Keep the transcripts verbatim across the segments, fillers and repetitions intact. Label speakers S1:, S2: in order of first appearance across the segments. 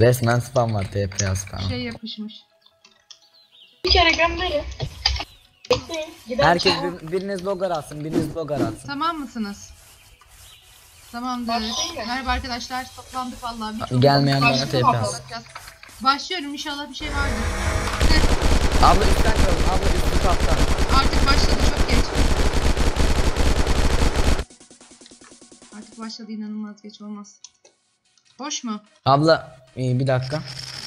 S1: Resmen spam var, T P A spam.
S2: Şey yapışmış.
S3: Bir kere gönderin.
S1: Herkes bir, biriniz logar alsın, biriniz logar alsın.
S2: Tamam mısınız? Tamamdır.
S3: Başlayayım mı?
S2: Merhaba arkadaşlar, toplandık vallahi. Birçok
S1: Gelmeyen bana
S3: Başlayalım
S1: T P
S3: abla.
S1: alsın.
S2: Başlıyorum, inşallah bir şey vardır.
S1: Abla üstten kalın, abla üstü kaptan.
S2: Artık başladı, çok geç. Artık başladı, inanılmaz geç olmaz. Boş mu?
S1: Abla iyi, bir dakika.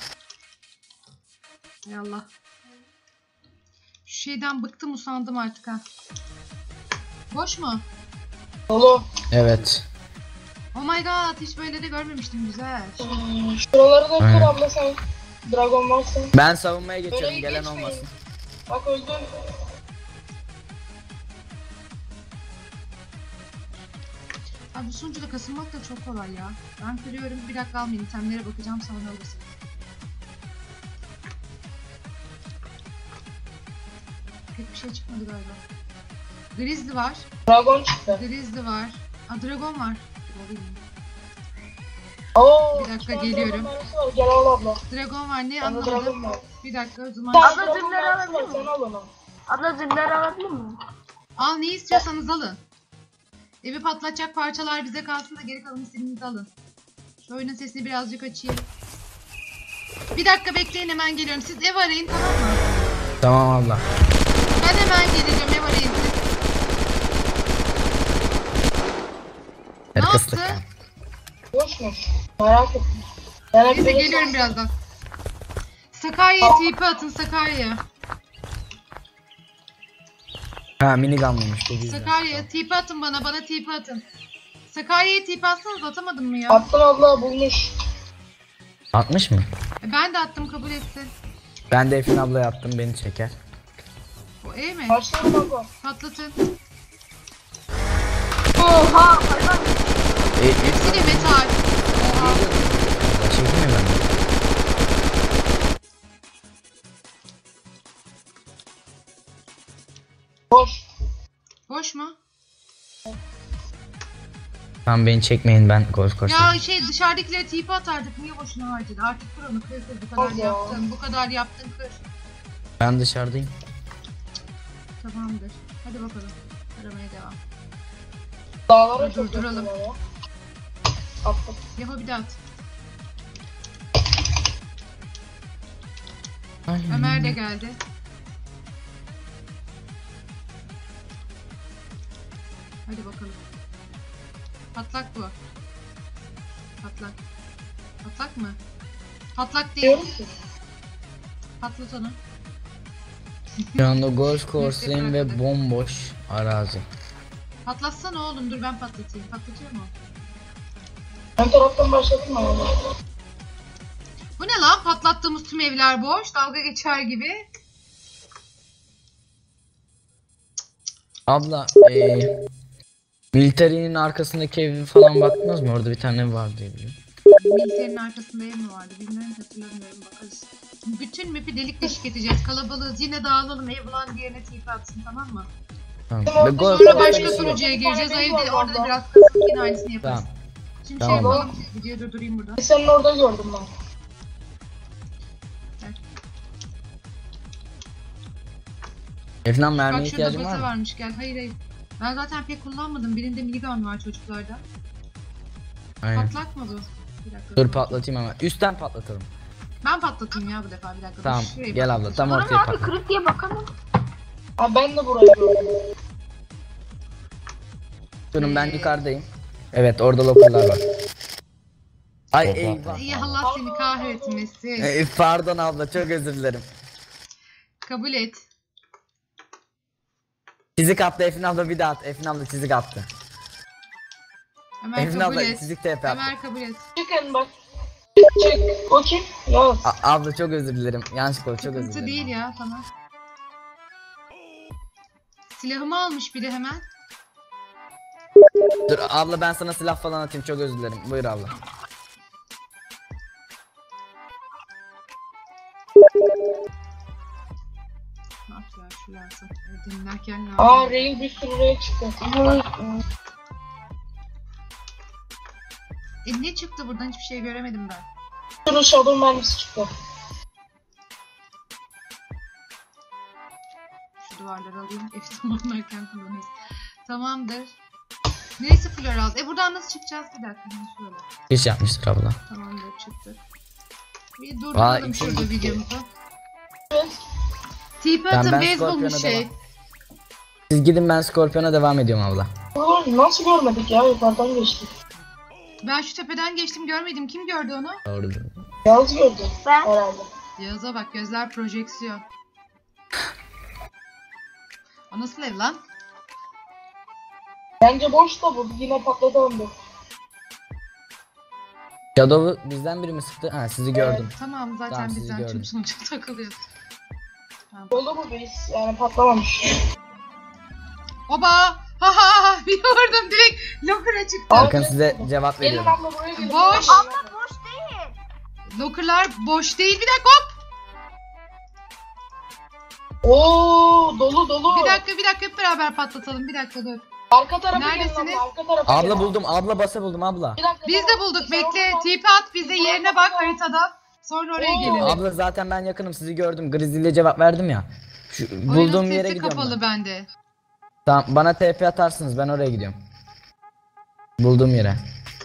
S2: Hay Allah. Şu şeyden bıktım, usandım artık ha. Boş mu?
S3: Dolu.
S1: Evet.
S2: Oh my god, hiç böyle de görmemiştim, güzel.
S3: Hmm, Şuraları da
S1: Aynen.
S3: kır abla sen. Dragon varsa.
S1: Ben savunmaya geçiyorum,
S3: Orayı
S1: gelen
S3: geçmeyin.
S1: olmasın.
S3: Bak öldüm.
S2: Abi bu sunucuda kasılmak da çok kolay ya. Ben kırıyorum, bir dakika almayın, itemlere bakacağım, sonra alırsın. Pek bir şey çıkmadı galiba. Grizzly var.
S3: Dragon çıktı.
S2: Grizzly var. Aa, Dragon var. Dur, alayım.
S3: Oo,
S2: Bir dakika,
S3: şu an
S2: geliyorum.
S3: Dragon mermisi var. Gel al abla.
S2: Dragon var, ne
S3: Bende Dragon
S2: anlamadım.
S3: var.
S2: Bir dakika, o zaman.
S3: Sen
S4: Abla,
S3: Dragon
S4: zırhları
S3: mermisi var,
S4: alabilir
S3: sen al onu.
S4: Abla zırhları alabilir miyim?
S2: Al, ne istiyorsanız alın. Evi patlatacak parçalar bize kalsın da geri kalan istediğinizi alın. Şu oyunun sesini birazcık açayım. Bir dakika bekleyin, hemen geliyorum. Siz ev arayın, tamam mı?
S1: Tamam abla.
S2: Ben hemen geleceğim, ev arayın siz. Ne
S1: Kıstık.
S2: yaptı?
S3: Boşmuş. Merak ettim. Ben hep
S2: Neyse,
S3: böyle
S2: geliyorum
S3: şans-
S2: birazdan. Sakarya'ya T P atın, Sakarya.
S1: Ha, minigunlıymış bu güzel.
S2: Sakarya T P atın bana, bana T P atın. Sakarya'ya T P atsanız, atamadım mı ya?
S3: Attım abla, bulmuş.
S1: altmış mı?
S2: E, ben de attım, kabul etsin.
S1: Ben de Efin ablaya attım, beni çeker.
S2: O E mi?
S3: Başlayalım abla.
S2: Patlatın.
S4: Oha hayvan.
S1: E, e,
S2: Hepsi de metal. Oha.
S1: Çekeyim mi ben de?
S3: Boş.
S2: Boş mu?
S1: Tamam, beni çekmeyin, ben golf koşuyorum.
S2: Ya şey, dışarıdakilere T P atardık, niye boşuna harcadı? Artık kır onu, kır kır, bu kadar
S3: Allah.
S2: yaptın, bu kadar yaptın, kır.
S1: Ben dışarıdayım.
S2: Tamamdır. Hadi bakalım. Aramaya devam.
S3: Dağlara
S2: Dur,
S3: çok
S2: duralım.
S3: yakınlar ya. Attım.
S2: Yahu bir de at.
S1: Ay.
S2: Ömer de geldi. Hadi bakalım. Patlak bu. Patlak. Patlak mı? Patlak değil.
S3: Diyorum ki.
S2: Patlat onu.
S1: Şu anda golf course'dayım ve bomboş arazi.
S2: Patlatsana oğlum, dur ben patlatayım. Patlatıyor mu?
S3: Ön taraftan başladım abla.
S2: Bu ne lan? Patlattığımız tüm evler boş. Dalga geçer gibi.
S1: Abla, eee... Military'nin arkasındaki evi falan baktınız mı? Orada bir tane ev var diye biliyorum.
S2: Militerinin arkasında ev mi vardı? Bilmiyorum, hatırlamıyorum, bakarız. Bütün map'i delik deşik edeceğiz. Kalabalığız. Yine dağılalım. Ev bulan diğerine T P atsın, tamam mı?
S1: Tamam.
S3: Tamam,
S1: Ve
S3: biz
S1: golf
S2: Sonra
S3: Sonra
S2: başka
S3: bir-
S2: sunucuya gireceğiz. O
S3: Bir-
S2: evde,
S3: Bir-
S2: orada da
S3: Bir-
S2: biraz kasıp yine aynısını yaparız.
S1: Tamam.
S2: Şimdi
S1: Tamam.
S2: şey yapalım. Videoyu durdurayım burada.
S3: Senin orada gördüm ben.
S1: Efnan, mermiye
S2: Bak şurada
S1: ihtiyacın var
S2: basa
S1: mı?
S2: varmış, gel. Hayır hayır. Ben zaten pek kullanmadım. Birinde minigun var çocuklarda.
S1: Aynen.
S2: Patlak mı bu? Bir dakika.
S1: Dur patlatayım hemen. Üstten patlatalım.
S2: Ben patlatayım ya bu defa, bir dakika. Dur,
S1: Tamam,
S2: şurayı
S1: gel abla,
S2: patlatayım.
S1: tam
S4: Bana
S1: ortaya
S4: abi
S1: patlat.
S4: kırık diye bakamam.
S3: Ha ben de burayı gördüm.
S1: Durun, ben yukarıdayım. Evet, orada lokurlar var. Ay eyvah.
S2: İyi, Allah seni kahretmesin.
S1: Ey, pardon abla, çok özür dilerim.
S2: Kabul et.
S1: Çizik attı Efin abla, bir daha at. Efin abla çizik attı.
S2: Ömer
S1: Efin
S2: kabul
S1: abla
S2: et.
S1: çizik T P attı.
S2: Ömer kabul et.
S3: Çıkın bak. Çık. O kim? Yaz.
S1: A- abla çok özür dilerim. Yanlışlıkla oldu, çok özür
S2: Sıkıntı
S1: dilerim.
S2: değil ya, tamam. Silahımı almış biri hemen.
S1: Dur abla, ben sana silah falan atayım, çok özür dilerim. Buyur abla.
S2: Ne yap ya, şu lazım. Dinlerken lazım.
S3: Aa Rail bir sürü Rail çıktı.
S2: E ne çıktı buradan, hiçbir şey göremedim ben.
S3: Şurada shadow mermisi çıktı.
S2: Şu duvarları alayım. Efsun oynarken kullanırız. Tamamdır. Neyse Floral. E buradan nasıl çıkacağız? Bir dakika. Şöyle.
S1: İş yapmıştır abla.
S2: Tamamdır çıktık. Bir
S1: Aa,
S2: durduralım
S1: iki
S2: şurada
S1: gitti.
S2: videomuzu.
S3: Evet.
S2: Tipi
S1: Ben-
S2: atın
S1: ben
S2: beyzbol mu
S1: Scorpion'a
S2: şey?
S1: devam. Siz gidin, ben Scorpion'a devam ediyorum abla.
S3: Ulan nasıl görmedik ya, yukarıdan geçtik.
S2: Ben şu tepeden geçtim görmedim. Kim gördü onu?
S1: Doğru.
S3: Yalnız gördüm
S4: Ben.
S3: herhalde.
S2: Yağız'a bak gözler projeksiyon. O nasıl ev lan?
S3: Bence boş da bu, yine patladı bu.
S1: Shadow'u bizden biri mi sıktı? Ha, sizi gördüm.
S2: Tamam zaten
S1: Tamam, sizi
S2: bizden
S1: gördüm.
S2: tüm sonuca takılıyor. Tamam.
S3: Dolu bu base, yani patlamamış.
S2: Oba! Ha ha ha! Bir vurdum direkt locker'a çıktı.
S1: Bakın size cevap
S3: Gelin
S1: veriyorum.
S3: abla buraya gelin.
S2: Boş.
S4: Abla boş değil.
S2: Locker'lar boş değil. Bir dakika hop!
S3: Oo dolu dolu.
S2: Bir dakika bir dakika hep beraber patlatalım. Bir dakika dur.
S3: Arka tarafa
S2: Neredesiniz?
S3: gelin abla, arka tarafa
S1: Abla
S3: gelin.
S1: buldum, abla basa buldum abla.
S3: Bir dakika,
S2: Biz de
S3: tamam.
S2: bulduk.
S3: Sen
S2: Bekle.
S3: oradan-
S2: Tipi at bize yerine bak haritada. Sonra oraya
S3: Oo.
S2: gelelim.
S1: Abla zaten ben yakınım, sizi gördüm. Grizzly'le cevap verdim ya. Şu
S2: Oyunun
S1: bulduğum yere
S2: sesi
S1: gidiyorum
S2: kapalı
S1: ben.
S2: bende.
S1: Tamam, bana T P atarsınız, ben oraya gidiyorum. Bulduğum yere.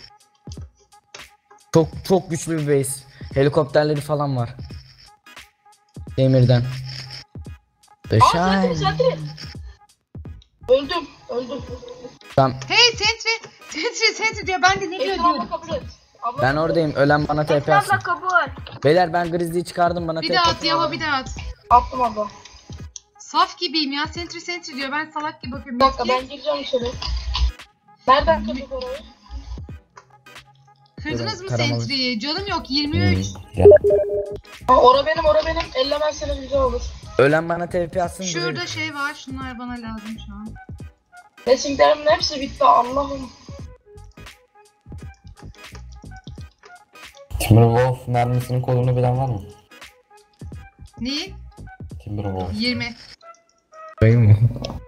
S1: Çok çok güçlü bir base. Helikopterleri falan var. Demirden.
S3: Aa
S1: Beşay.
S3: sentry sentry. Öldüm öldüm.
S1: Tamam,
S2: Hey Sentry! Sentry Sentry diyor. Ben de ne diyor
S3: Esin
S2: diyorum.
S3: abla kabul et. Abla
S1: ben oradayım. Ölen bana T P
S4: Esra
S1: atsın.
S4: abla kabul.
S1: Beyler ben Grizzly'yi çıkardım, bana
S2: Bir
S1: T P
S2: daha at
S1: atın.
S2: Yava bir daha at.
S3: attım abla.
S2: Saf gibiyim ya. Sentry Sentry diyor. Ben salak gibi bakıyorum.
S3: Bir dakika
S2: Eski-
S3: ben gireceğim içeri. Nereden kırdık orayı?
S2: Kırdınız mı
S1: Taramalı.
S2: Sentry'yi? Canım yok yirmi üç.
S3: Ha, ora benim ora benim. Ellemezseniz güzel olur.
S1: Ölen bana T P atsın.
S2: Şurada
S1: direkt.
S2: şey var. Şunlar bana lazım şu an.
S3: Resimlerimin hepsi bitti Allah'ım.
S5: Timberwolf mermisinin kodunu bilen var mı?
S2: Neyin?
S5: Timberwolf.
S2: yirmi.
S1: Koyayım mı?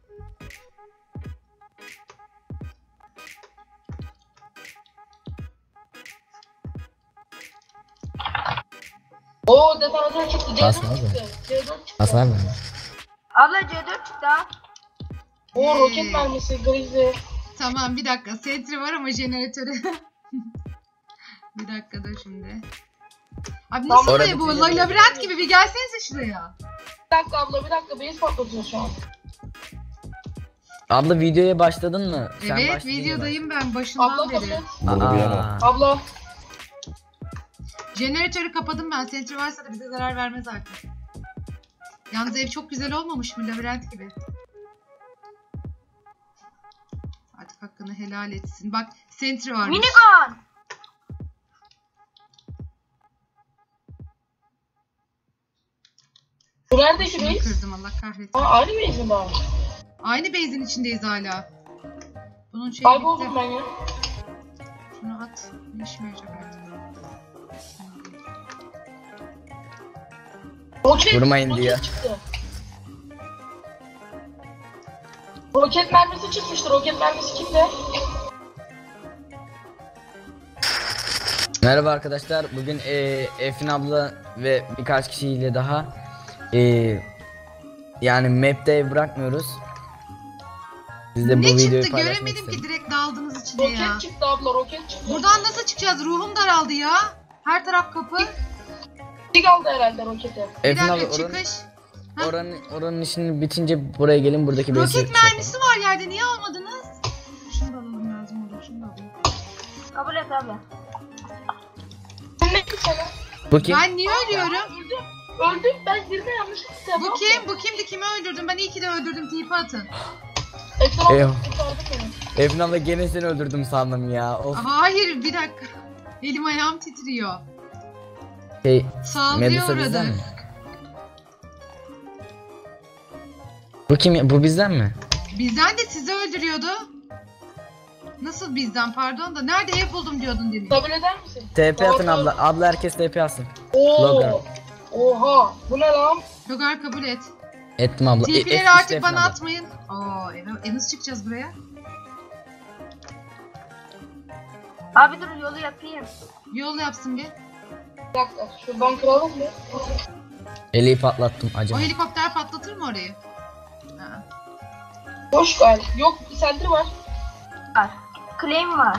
S3: Oo detonatör çıktı. C dört
S1: Basma
S3: çıktı. C dört çıktı.
S1: Hasar mı?
S4: Abla C dört çıktı ha.
S3: Oo
S2: Hey.
S3: roket mermisi grizzly.
S2: Tamam bir dakika. Sentry var ama jeneratörü. Bir dakika da şimdi. Abi nasıl
S3: Tamam.
S2: buraya bu?
S1: Orada
S2: La-
S1: bir-
S2: labirent gibi bir gelsenize şuraya.
S3: Bir dakika abla bir dakika base patlatıyor şu an.
S1: Abla videoya başladın mı? Sen
S2: Evet
S1: başladın ya
S2: videodayım ben başından
S3: Abla kabul
S2: beri.
S3: et.
S1: bak.
S5: Bunu bir yana.
S1: Aa,
S3: Abla.
S2: Jeneratörü kapadım ben. Sentry varsa da bize zarar vermez artık. Yalnız ev çok güzel olmamış mı? Labirent gibi. Artık hakkını helal etsin. Bak Sentry varmış.
S4: Minigun.
S3: Bu nerede şu
S2: Şunu
S3: base?
S2: kırdım Allah kahretsin.
S3: Aa aynı base mi daha?
S2: Aynı base'in içindeyiz hala. Bunun şeyi
S3: Kayboldum
S2: bitti.
S3: ben ya.
S2: Şunu at. Ne işime yarayacak artık.
S3: Roket,
S1: Vurmayın
S3: roket
S1: diyor.
S3: çıktı. Roket mermisi çıkmıştı. Roket mermisi kimde?
S1: Merhaba arkadaşlar. Bugün e, Efin abla ve birkaç kişiyle daha e, yani map'te ev bırakmıyoruz. Biz de bu
S2: Ne
S1: videoyu
S2: çıktı
S1: paylaşmak
S2: göremedim
S1: istedim.
S2: ki direkt daldınız içine ya.
S3: Roket çıktı abla roket çıktı.
S2: Buradan nasıl çıkacağız? Ruhum daraldı ya. Her taraf kapı.
S3: Tig aldı herhalde roketi.
S2: Bir
S1: Efin abla
S2: dakika
S1: oranın,
S2: çıkış. Ha?
S1: oranın, oranın işini bitince buraya gelin, buradaki base'i
S2: Roket
S1: şey
S2: mermisi var yerde. Niye almadınız? Şunu da alalım lazım olur. Şunu da alayım.
S4: Kabul et abla.
S3: Ne ki sana?
S1: yapalım. Bu kim?
S2: Ben niye ölüyorum?
S3: Öldüm. Öldüm ben girdi yanlışlıkla.
S2: Bu kim? Bu kimdi? Kimi öldürdüm? Ben iyi ki de öldürdüm. Tipi atın.
S3: Etrafı
S1: Eyvah.
S3: kurtardı beni.
S1: Efin abla gene seni öldürdüm sandım ya. Of.
S2: Hayır bir dakika. Elim ayağım titriyor.
S1: Şey,
S2: Saldırıya
S1: Medusa bizden
S2: uğradı.
S1: mi? Bu kim? Bu bizden mi?
S2: Bizden de sizi öldürüyordu. Nasıl bizden pardon da. Nerede ev buldum diyordun demin.
S3: Kabul eder misin?
S1: T P atın
S3: Tamam,
S1: abla. Abla herkes T P atsın. Logan.
S3: Oo. Oha. Bu ne lan?
S2: Logar kabul et.
S1: Ettim abla. E,
S2: Tipileri
S1: et-
S2: artık
S1: işte Efin
S2: bana
S1: abla.
S2: atmayın. Oo, eve, e nasıl çıkacağız buraya?
S4: Abi dur yolu yapayım.
S2: Yol yapsın bir.
S3: Bir dakika şuradan kıralım mı?
S1: Eleği patlattım
S2: O
S1: acaba.
S2: helikopter patlatır mı orayı? Ha.
S3: Boş galiba. Yok sentry var.
S4: Var. Claim var.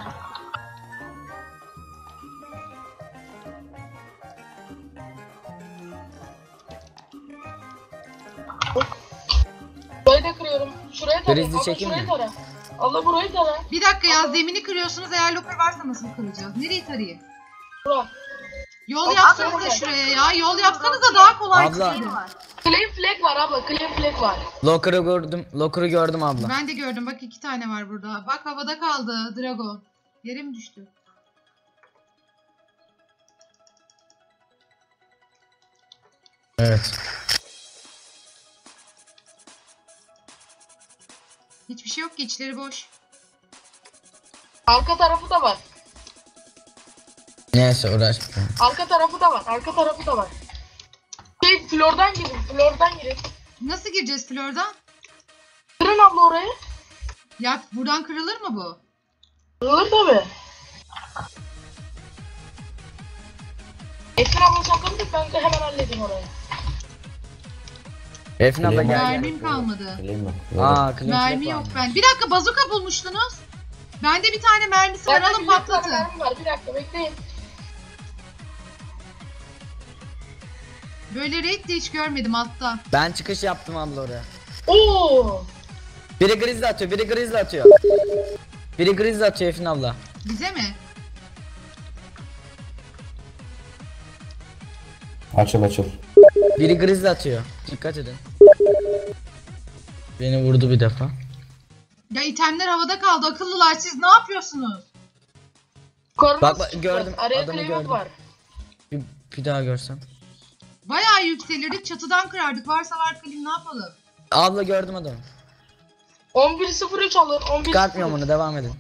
S3: Burayı da kırıyorum. Şuraya tara.
S1: Grizzly
S3: Abla
S1: çekeyim
S3: şurayı
S1: mi?
S3: tara. Allah burayı tara.
S2: Bir dakika ya, zemini kırıyorsunuz, eğer loper varsa nasıl kıracağız? Nereyi tarayayım?
S3: Bura.
S2: Yol
S3: Abla,
S2: yapsanıza
S3: abla.
S2: şuraya ya, yol yapsanıza daha kolay
S1: Abla.
S2: çıkıyor.
S4: Claim var.
S3: Claim flag var abla. Claim flag var.
S1: Locker'ı gördüm. Locker'ı gördüm abla.
S2: Ben de gördüm, bak iki tane var burada. Bak havada kaldı Drago. Yere mi düştü?
S1: Evet.
S2: Hiçbir şey yok ki, içleri boş.
S3: Arka tarafı da var.
S1: Neyse uğraşmayalım.
S3: Arka tarafı da var. Arka tarafı da var. Şey flordan girin. Flordan girin.
S2: Nasıl gireceğiz Flor'dan?
S3: Kırın abla orayı.
S2: Ya buradan kırılır mı bu?
S3: Kırılır tabi. Ekran abla saklandık, ben de hemen halledeyim orayı.
S1: Efrin abla
S5: Claim
S1: gel
S5: var.
S1: gel.
S2: Mermim kalmadı.
S5: Bileyim mi?
S1: Aa, clean
S2: Mermi
S1: flap
S2: yok
S1: varmış.
S2: ben. Bir dakika, bazuka bulmuştunuz. Bende bir tane mermisi var,
S3: Bende
S2: alın
S3: bir tane
S2: patlatın.
S3: mermi var. Bir dakika bekleyin.
S2: Böyle raid de hiç görmedim altta.
S1: Ben çıkış yaptım abla oraya.
S3: Oo.
S1: Biri grizzly atıyor, biri grizzly atıyor. Biri grizzly atıyor Efrin abla.
S2: Bize mi?
S5: Açıl açıl.
S1: Biri grizzly atıyor. Dikkat edin. Beni vurdu bir defa.
S2: Ya itemler havada kaldı, akıllılar, siz ne yapıyorsunuz?
S3: Korna
S1: Bak, bak,
S3: sıçtı.
S1: gördüm,
S3: Araya
S1: adamı
S3: claim
S1: gördüm.
S3: var.
S1: Bir, bir daha görsem.
S2: Bayağı yükselirdik, çatıdan kırardık. Varsa var kalim, ne yapalım?
S1: Abla gördüm adamı.
S3: on bir sıfır üç alır. on bir
S1: Çıkartmıyorum onu, devam edin.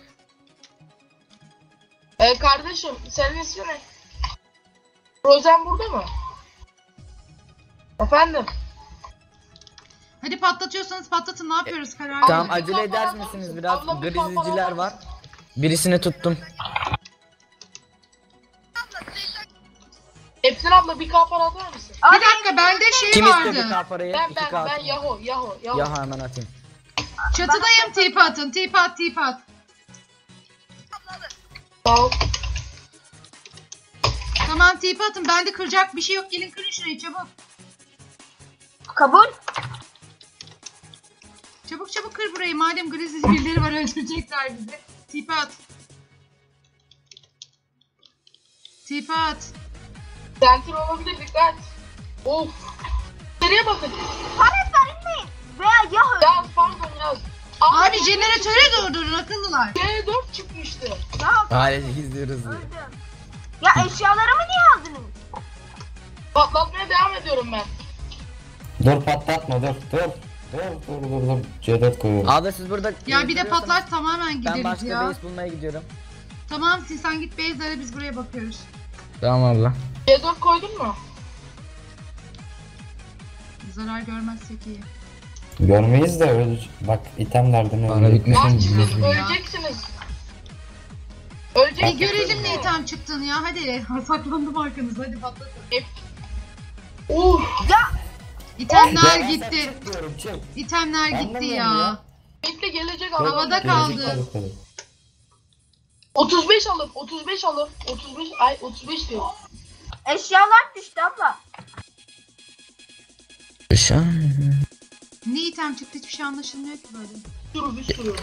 S3: Ee, kardeşim senin ismin ne? Rozen burada mı? Efendim?
S2: Hadi patlatıyorsanız patlatın, ne yapıyoruz kararlı?
S1: Tamam,
S3: bir
S1: acele eder
S3: kafa
S1: misiniz
S3: atar
S1: biraz?
S3: mısın? Abla, bir kafa
S1: Grizzly'ciler
S3: atar
S1: var.
S3: mısın?
S1: Birisini tuttum.
S3: Efsin abla bir kapar atar mısın?
S2: Bir dakika, bende şey
S1: Kim istiyor bir
S2: vardı.
S1: K parayı?
S3: Ben
S1: İki
S3: ben
S1: K.
S3: ben Yaho Yaho Yaho.
S1: Ya hemen atayım.
S2: Çatıdayım, tip atın, tip at, tip at.
S3: Sağ ol.
S2: Tamam, tip atın, bende kıracak bir şey yok, gelin kırın şurayı çabuk.
S4: Kabul.
S2: Çabuk çabuk kır burayı, madem grizzly birileri var, öldürecekler bizi. Tip at. Tip at.
S3: Center olabilir, dikkat. Of. Nereye bakın?
S4: Paletler inmeyin. Veya Yahoo.
S3: Yaz pardon yaz.
S2: Abi jeneratöre durdurun akıllılar.
S3: G dört çıkmıştı.
S4: Ya
S1: Ailece izliyoruz.
S4: öldüm. Ya eşyalarımı niye aldınız?
S3: Patlatmaya devam ediyorum ben.
S5: Dur patlatma dur dur. Dur dur dur dur. C dört koyuyorum.
S1: Abla siz burada...
S2: Ya bir de patlar tamamen
S1: Ben
S2: gideriz
S1: başka
S2: ya.
S1: base bulmaya gidiyorum.
S2: Tamam, siz sen git base'lere, biz buraya bakıyoruz.
S1: Tamam abla.
S3: G dört koydun mu?
S2: Zarar görmezsek iyi.
S5: Görmeyiz de öyle. Bak itemlerden
S1: Bana
S5: öyle.
S1: bitmiş.
S3: Lan
S1: Bizim
S3: siz
S1: ya.
S3: öleceksiniz. Öleceksiniz.
S2: Bir görelim ne itham çıktın ya, hadi. Saklandım arkanızda, hadi patlatın.
S3: Uf.
S2: İtemler
S5: Ya,
S2: gitti.
S5: çık diyorum, çık.
S2: İtemler gitti
S5: Anlamıyorum
S2: ya.
S5: ya.
S3: Bekle gelecek
S2: Havada
S3: abla.
S5: Gelecek
S2: kaldı.
S5: tabii, tabii.
S3: otuz beş alır. otuz beş alır. otuz beş ay otuz beş diyor.
S4: Eşyalar düştü abla.
S1: Şu an...
S2: Ne item çıktı, hiçbir şey anlaşılmıyor ki böyle.
S3: Bir sürü bir sürü.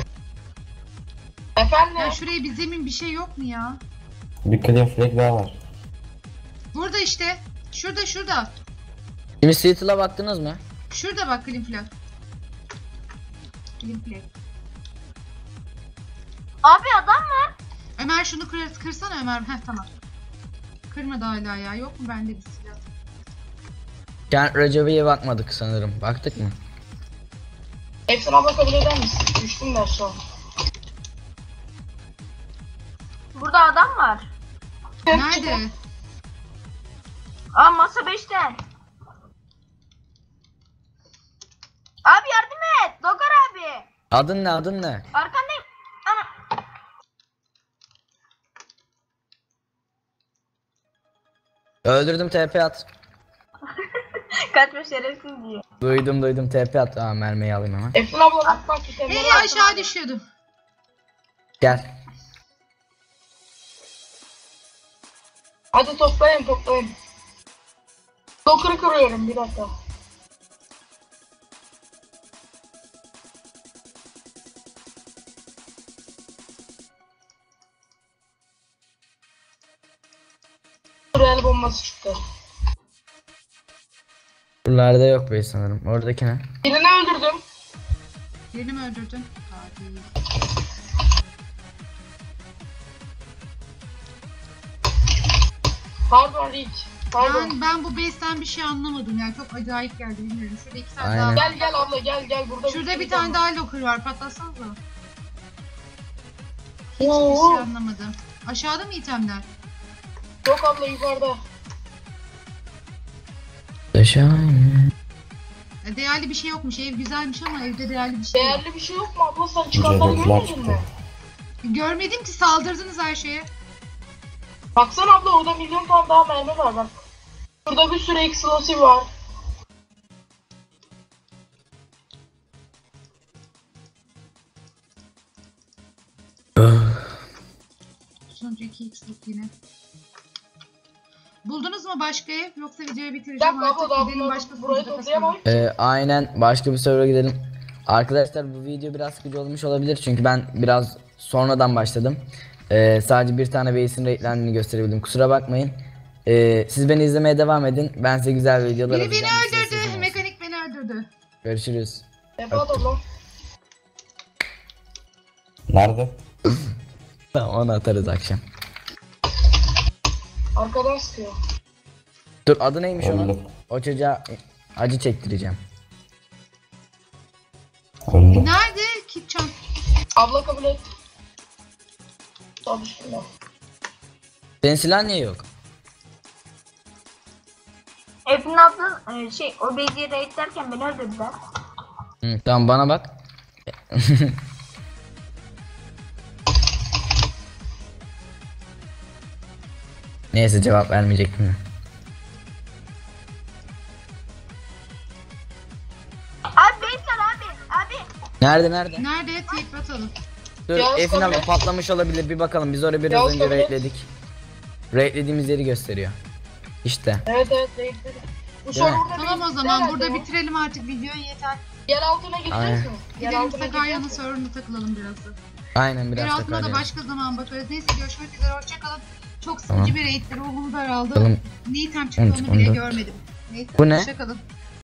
S3: Efendim?
S2: Ya şuraya bir zemin, bir şey yok mu ya?
S5: Bir clear flag daha var.
S2: Burada işte. Şurada şurada.
S1: Şimdi Seattle'a baktınız mı?
S2: Şurada bak, clean flag. Clean flag.
S4: Abi adam var.
S2: Ömer şunu kır, kırsana Ömer. Heh tamam. Kırmadı hala ya. Yok mu bende bir silah?
S1: Kent Recep'e bakmadık sanırım. Baktık mı?
S3: Efsin abla kabul eder misin? Düştüm ben şu an.
S4: Burada adam var.
S2: Nerede?
S4: Aa masa beşte. Abi yardım et. Dokar abi.
S1: Adın ne, adın ne?
S4: Arkandayım. Ana.
S1: Öldürdüm, T P at.
S4: Kaçma şerefsiz diye.
S1: Duydum duydum, T P at. Aa, mermiyi alayım hemen.
S3: Efrin abla bak bak itemleri
S2: Hey
S3: al.
S2: aşağı düşüyordum.
S1: Gel.
S3: Hadi toplayın toplayın. Dokuru kırıyorum bir dakika. Buraya el bombası çıktı.
S1: Buralarda yok be sanırım. Oradaki ne?
S3: Birini öldürdüm.
S2: Birini mi öldürdün? Hadi.
S3: Pardon Rich. Pardon.
S2: Ben, ben bu base'ten bir şey anlamadım yani çok acayip geldi bilmiyorum. Şurada iki tane
S1: Aynen.
S2: daha var.
S3: Gel gel abla gel gel burada.
S2: Şurada
S3: sürü
S2: bir tane
S3: var.
S2: daha locker var, patlatsanıza. Hiçbir
S3: Oo.
S2: şey anlamadım. Aşağıda mı itemler?
S3: Yok abla yukarıda.
S1: Şahane.
S2: E, Değerli bir şey yokmuş. Ev güzelmiş ama evde değerli bir şey yok.
S3: Değerli bir şey yok mu abla, sen çıkanları
S5: Cevaplar
S3: görmedin
S5: çıktı.
S3: mi?
S2: Görmedim ki, saldırdınız her şeye.
S3: Baksana abla orada milyon tane daha mermi var bak. Burada bir sürü explosive var.
S2: Sonucu iki x'lik yine. Buldunuz mu başka ev? Yoksa videoyu
S3: Bir
S2: bitireceğim
S3: dakika abla
S2: artık.
S3: daha
S2: Gidelim
S3: bunları
S2: başka
S3: burayı
S2: sınıfta
S3: toplayamam.
S2: kasalım.
S1: Ee, aynen, başka bir server'a gidelim. Arkadaşlar bu video biraz sıkıcı olmuş olabilir çünkü ben biraz sonradan başladım. Ee, sadece bir tane base'in raidlendiğini gösterebildim. Kusura bakmayın. Ee, siz beni izlemeye devam edin. Ben size güzel videolar
S2: Biri beni
S1: atacağım. Size
S2: öldürdü.
S1: sözüm olsun.
S2: Mekanik beni öldürdü.
S1: Görüşürüz.
S3: Defa abla.
S5: Nerede?
S1: Tamam, onu atarız akşam.
S3: Arkadan sıkıyor.
S1: Dur, adı neymiş onun?
S5: Öldü.
S1: O çocuğa acı çektireceğim.
S5: Öldü.
S2: Nerede? Kitchen.
S3: Abla kabul et. Tabii şimdi.
S1: Senin silah niye yok?
S4: Efrin abla e, şey o beyciyi raid derken beni öldürdüler.
S1: Hı, tamam, bana bak. Neyse, cevap vermeyecektim.
S4: Abi beyz var abi. Abi.
S1: Nerede nerede?
S2: Nerede? Tape atalım.
S1: Dur,
S3: Yağız
S1: Efin abla
S3: kabul et.
S1: patlamış olabilir, bir bakalım. Biz orayı biraz
S3: Yağız
S1: önce
S3: kabul et.
S1: raidledik. Raidlediğimiz yeri gösteriyor. İşte.
S3: Evet evet renkleri. Bu
S1: Değil mi?
S3: serverda
S2: Tamam o
S3: bir-
S2: zaman
S3: herhalde
S2: burada
S3: ya.
S2: bitirelim artık videoyu, yeter.
S3: Yer altına gideceğiz
S1: Aynen.
S3: mi? Yer
S2: Gidelim
S3: altına
S2: Sakarya'nın
S3: gideceğiz mi?
S2: serverına takılalım biraz da.
S1: Aynen,
S2: Yer
S1: biraz
S2: altına da
S1: takar
S2: başka zaman bakarız. Neyse, görüşmek üzere, hoşçakalın. Çok sıkıcı
S1: Tamam.
S2: bir raiddi, ruhum daraldı.
S1: Bakalım.
S2: Ne item çıktığını
S1: on
S2: bile
S1: dört.
S2: görmedim. Neyse,
S1: Bu ne?
S2: hoşçakalın.